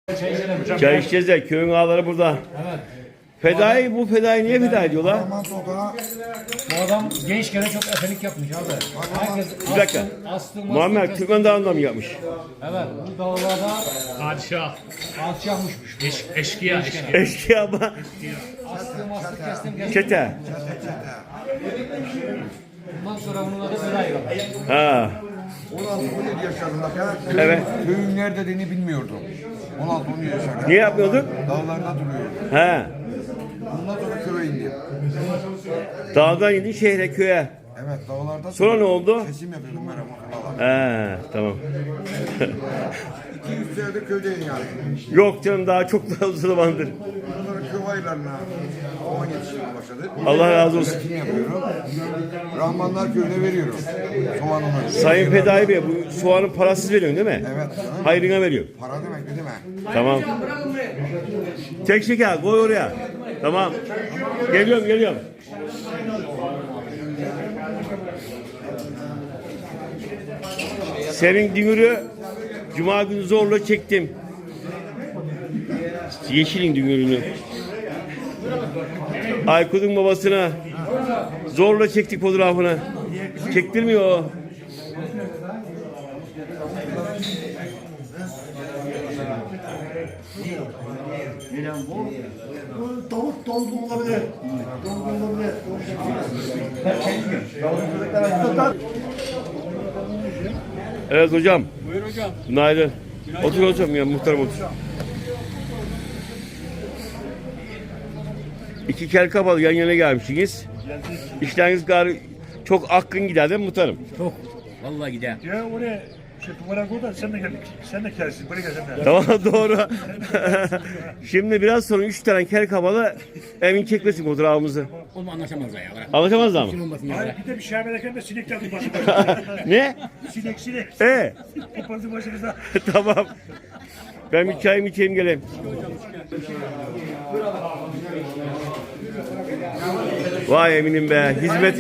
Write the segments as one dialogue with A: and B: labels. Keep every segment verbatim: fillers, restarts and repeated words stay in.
A: Çay içeceğiz de köyün ağaları burada.
B: Evet.
A: Fedai bu fedai niye feda ediyorlar?
B: Bu adam gençken çok efelik yapmış abi. Herkes
A: Bir dakika.
B: astım, astım,
A: Muammer
B: astım,
A: Türkmen Dağı'nda mı yapmış?
B: Evet. Bu dağlarda
C: Padişah.
B: alçakmışmış.
C: Eş, eşkıya, eşkıya.
A: Eşkıya ama.
B: Astım, astım, kestim, kestim.
A: Çete.
B: Bundan sonra bunun adı Fedai kaldı.
A: Ha.
D: on altı on yedi yaşlarında
A: Evet.
D: köyün nerede dediğini bilmiyordum. on altı on yedi yaşlarında.
A: Niye yapmıyorduk?
D: Dağlarda duruyor.
A: He.
D: Bundan sonra köye indim.
A: Dağdan indin şehre köye.
D: Evet dağlarda.
A: Sonra ne oldu?
D: Kesim yapıyordum ben Ramazan'da.
A: He tamam.
D: iki yüz senedir köydeyim yani.
A: Yok canım daha çok da uzun zamandır.
D: Bunları köy aylarına kovan yetiştirmeye başladı.
A: Allah razı olsun.
D: Üretim yapıyorum. Rahmanlar köyüne veriyorum. Soğanını.
A: Sayın Fedai Bey bu soğanın parasız veriyorsun değil mi?
D: Evet.
A: Hayrına veriyorum.
D: Para demek ne demek?
A: Tamam. Tek şeker koy oraya. Tamam. Geliyorum geliyorum. Senin dünürü Cuma günü zorla çektim. Yeşilin dünürünü. Aykut'un babasına zorla çektik fotoğrafını. Çektirmiyor o.
E: Bu tavuk dolgun olabilir. Dolgun olabilir.
A: Evet hocam. Buyur hocam. Günaydın. Otur hocam ya muhtarım otur. İki kel kapalı yan yana gelmişsiniz. İşleriniz gari çok akın gider değil mi muhtarım?
C: Çok. Vallahi gider.
E: Ya oraya şey duvara koy da sen de gel. Sen de gelsin. Buraya gel sen de.
A: Tamam doğru. Şimdi biraz sonra üç tane kel kapalı emin çekmesin fotoğrafımızı.
C: Oğlum anlaşamazlar ya. Bırak.
A: Anlatamazlar mı?
C: Olmasın ya.
E: Hayır bir de bir şahmelerken de sinek geldi başımıza.
A: Ne?
E: Sinek sinek.
A: E
E: Kopardı başımıza.
A: tamam. Ben bir çayımı içeyim geleyim. Vay eminim be. Hizmet.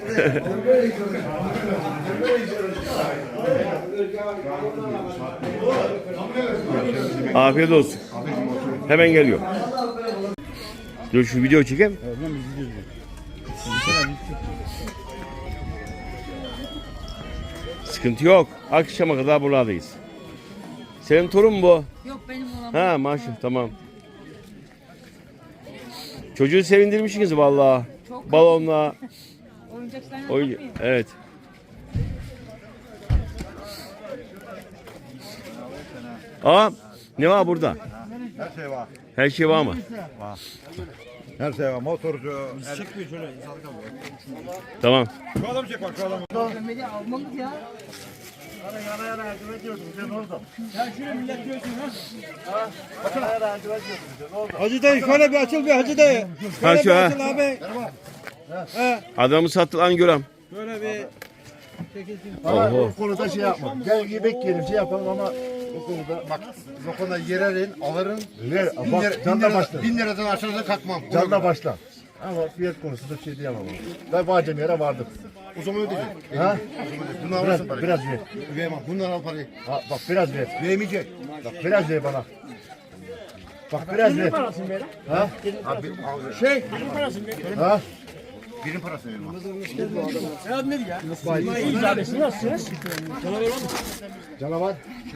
A: Afiyet olsun. Hemen geliyor. Dur şu video çekeyim. Sıkıntı yok. Akşama kadar buradayız. Senin torun mu bu?
F: Yok benim oğlan.
A: Ha maşallah tamam. Çocuğu sevindirmişsiniz vallahi.
F: Çok.
A: Balonla.
F: Oyuncaklarına
A: Oyun
F: bakmıyor.
A: evet. Aa ne var burada?
D: Her şey var.
A: Her şey var mı?
D: Her şey var. Motorcu.
A: Tamam.
D: Şu adam çek bak şu adam.
F: Ömer'i almalı ya.
E: Yana yana yardım ediyordun sen orada.
G: Hacı dayı şöyle bir açıl bir Hacı dayı.
A: Ha şu ha.
G: Abi.
A: Adamı sattılan görem.
G: Böyle bir
D: Ama
A: Oho.
D: bu konuda şey yapma. Gel yemek yiyelim şey yapalım ama bu konuda bak bu konuda yererin alırın. Ver, bin,
G: bak,
D: lira, bin,
G: canla
D: lira,
G: başla.
D: bin liradan aşağıda kalkmam.
G: canla başla. Ama fiyat konusunda bir şey diyemem ama. Ben vacem yere vardım.
D: O zaman ödeyecek.
G: Ha?
D: Bundan
G: Biraz,
D: alırsın parayı.
G: biraz ver.
D: Vermem. Bundan al parayı.
G: Ha, bak biraz ver.
D: Vermeyecek.
G: Bak biraz ver bana. Bak biraz ver. Ha?
D: Abi, al.
G: Şey. Ha?
D: Birin parası verim.
G: Canavar.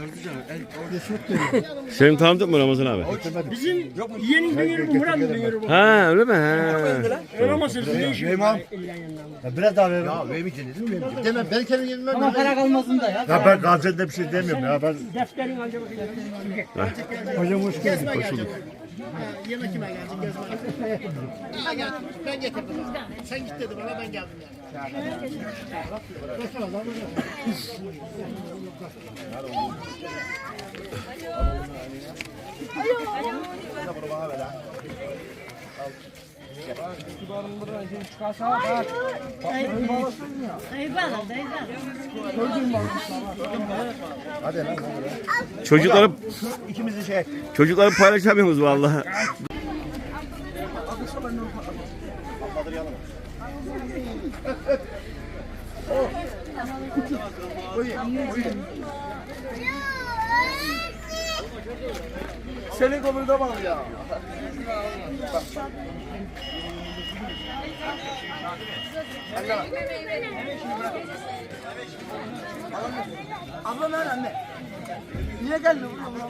A: Senin tanıdık mı Ramazan abi?
E: Yeğenin dönüyor bu Murat dönüyor bu.
A: Ha öyle mi? Ha.
E: Öğrenemezsiniz ne işi?
D: Vermem.
G: Ya biraz daha ver.
D: Ya vermeyeceksin dedim. Vermeyecek. Demem. Ben kendim yenmem.
F: Ama para kalmasın da ya.
G: Ya ben Gaziantep'te bir şey demiyorum ya. Ben
E: Defterin ancak
G: hocam hoş geldin.
A: Hoş bulduk.
H: Yemek kime gelecek gezmeye? Ha geldim. Ben getirdim. Sen git dedi bana ben geldim yani.
A: Çocukları
G: İkimizi şey.
A: çocukları paylaşamıyoruz vallahi.
H: Buyurun. Buyurun.
G: senin konuda bak ya. Abla nerede anne? Niye gelmiyor?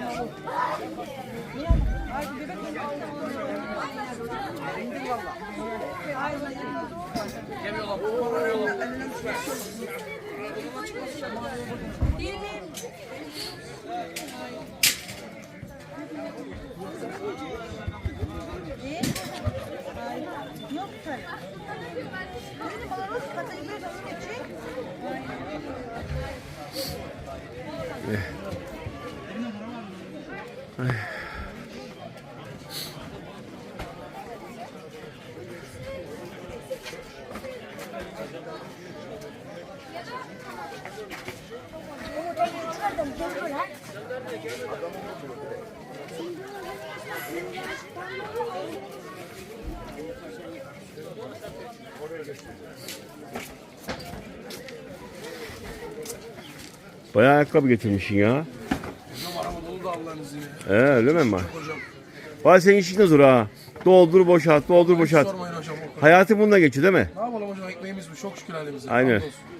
F: Yok tabii. Benim bana nasıl katayım bir nasıl geçeyim?
A: Bayağı ayakkabı getirmişsin ya. Ee, öyle mi ama? Vay senin işin de zor ha. Doldur boşalt, doldur boşalt.
G: Sormayın hocam.
A: Hayatı bununla geçiyor değil mi?
G: Ne yapalım hocam, ekmeğimiz bu. Çok şükür halimize.
A: Aynen.
G: Hamdolsun.